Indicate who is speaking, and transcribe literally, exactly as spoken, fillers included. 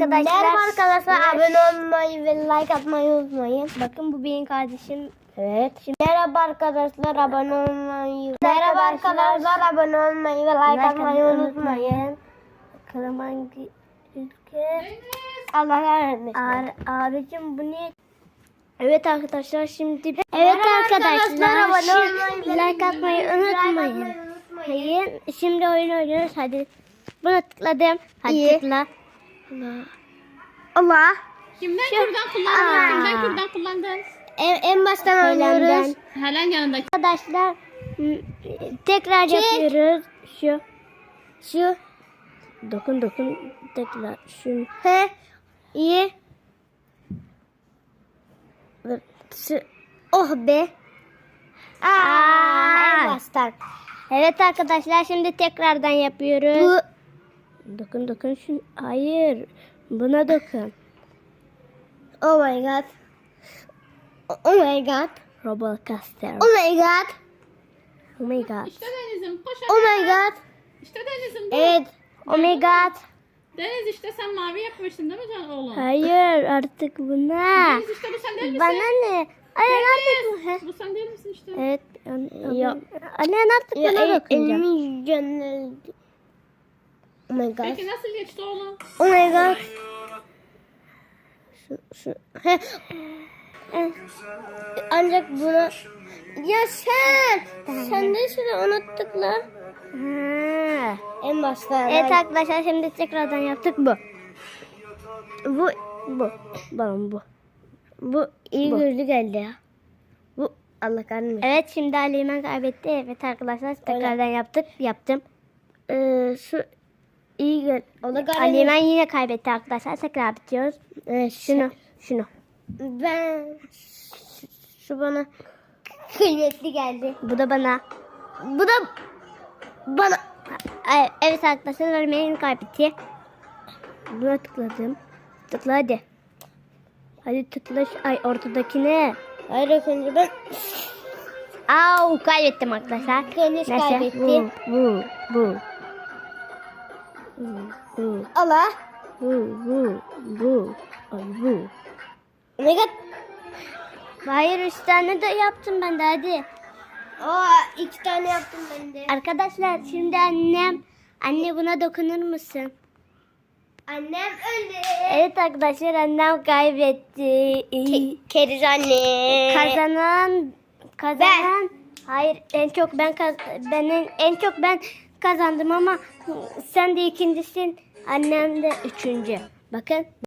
Speaker 1: arkadaşlar.
Speaker 2: Merhaba arkadaşlar.
Speaker 1: Evet.
Speaker 2: Abone olmayı ve like atmayı unutmayın.
Speaker 1: Bakın bu benim kardeşim.
Speaker 2: Evet. Şimdi merhaba arkadaşlar. Abone olmayı.
Speaker 1: Merhaba
Speaker 2: Merhaba
Speaker 1: arkadaşlar.
Speaker 2: arkadaşlar. Abone olmayı ve like,
Speaker 1: Like
Speaker 2: atmayı
Speaker 1: atmayı
Speaker 2: unutmayın.
Speaker 1: Bakalım hangi ülke?
Speaker 2: Allah rahmet
Speaker 1: Ar abicim bu ne? Evet arkadaşlar şimdi. Evet
Speaker 2: Merhaba
Speaker 1: arkadaşlar.
Speaker 2: arkadaşlar, abone
Speaker 1: Şimdi
Speaker 2: olmayı ve
Speaker 1: like atmayı
Speaker 2: like atmayı
Speaker 1: unutmayın.
Speaker 2: unutmayın.
Speaker 1: Hayır. Şimdi oyun oynuyoruz. Hadi. Buna tıkladım. Hadi
Speaker 2: İyi.
Speaker 1: tıkla. Allah.
Speaker 2: Allah.
Speaker 3: Kimden
Speaker 1: Şu-
Speaker 3: kürdan kullandın?
Speaker 1: Aa.
Speaker 3: Kimden kürdan kullandın?
Speaker 2: En, en baştan
Speaker 1: Söylemden.
Speaker 2: oynuyoruz.
Speaker 3: Helen yanındaki.
Speaker 1: Arkadaşlar m- tekrar
Speaker 2: Çek.
Speaker 1: yapıyoruz. Şu.
Speaker 2: Şu.
Speaker 1: Dokun dokun tekrar. Şu.
Speaker 2: He.
Speaker 1: İyi. Dur. Şu.
Speaker 2: Oh be. Aa,
Speaker 1: Aa.
Speaker 2: en baştan.
Speaker 1: Evet arkadaşlar şimdi tekrardan yapıyoruz.
Speaker 2: Bu.
Speaker 1: Dokun dokun şu. Hayır. Buna dokun.
Speaker 2: Oh my god. Oh my god.
Speaker 1: Robocaster.
Speaker 2: Oh my god.
Speaker 1: Oh my god.
Speaker 3: İşte Deniz'im. Koş
Speaker 2: Oh
Speaker 3: hadi.
Speaker 2: my god.
Speaker 3: İşte Deniz'im. dur.
Speaker 2: Evet.
Speaker 1: Oh my god.
Speaker 3: Deniz işte sen mavi yapmıştın değil mi can oğlum?
Speaker 1: Hayır artık buna.
Speaker 3: Deniz işte bu sen değil misin?
Speaker 1: Bana ne? Anne artık bu. He.
Speaker 3: Bu sen değil misin işte?
Speaker 1: Evet. Anne,
Speaker 2: Ya.
Speaker 1: Anne artık
Speaker 2: Ya,
Speaker 1: buna
Speaker 2: el,
Speaker 1: dokunacağım.
Speaker 2: elimin canı. Oh my god.
Speaker 3: Peki nasıl geçti oğlum?
Speaker 2: Oh my god.
Speaker 1: Şu, şu.
Speaker 2: Heh. Ancak bunu... Ya sen! Sen de şunu unuttuk lan.
Speaker 1: Ha.
Speaker 2: En başta.
Speaker 1: Evet arkadaşlar şimdi tekrardan yaptık bu. Bu bu. Balon bu.
Speaker 2: Bu iyi
Speaker 1: Bu.
Speaker 2: gözlü geldi ya. Bu Allah kahretmesin.
Speaker 1: Evet şimdi Ali İmen kaybetti. Evet arkadaşlar tekrardan yaptık. Yaptım.
Speaker 2: Ee, şu iyi gel. O da
Speaker 1: Ali
Speaker 2: kahretmesin.
Speaker 1: İmen yine kaybetti arkadaşlar. Tekrar bitiyoruz.
Speaker 2: Evet,
Speaker 1: Şunu. Şunu.
Speaker 2: Ben şu bana kıymetli geldi.
Speaker 1: Bu da bana.
Speaker 2: Bu da bana.
Speaker 1: Ay, evet arkadaşlar Ali İmen kaybetti. Buna tıkladım. Tıkla hadi. Hadi tıkla. şu- Ay ortadakine.
Speaker 2: Hayır önce ben
Speaker 1: Au kaybettim arkadaşlar.
Speaker 2: Deniz
Speaker 1: Neyse,
Speaker 2: kaybetti.
Speaker 1: Bu, bu, bu. Bu, bu,
Speaker 2: Allah.
Speaker 1: bu, bu, bu. Ay bu.
Speaker 2: Oh my god.
Speaker 1: Hayır üç tane de yaptım ben de hadi.
Speaker 2: Aa, iki tane yaptım ben de.
Speaker 1: Arkadaşlar şimdi annem. Anne buna dokunur musun?
Speaker 2: Annem öldü.
Speaker 1: Evet arkadaşlar annem kaybetti.
Speaker 2: Keriz anne.
Speaker 1: Kazanan kazanan hayır en çok ben kaz ben en, en çok ben kazandım ama sen de ikincisin, annem de üçüncü. Bakın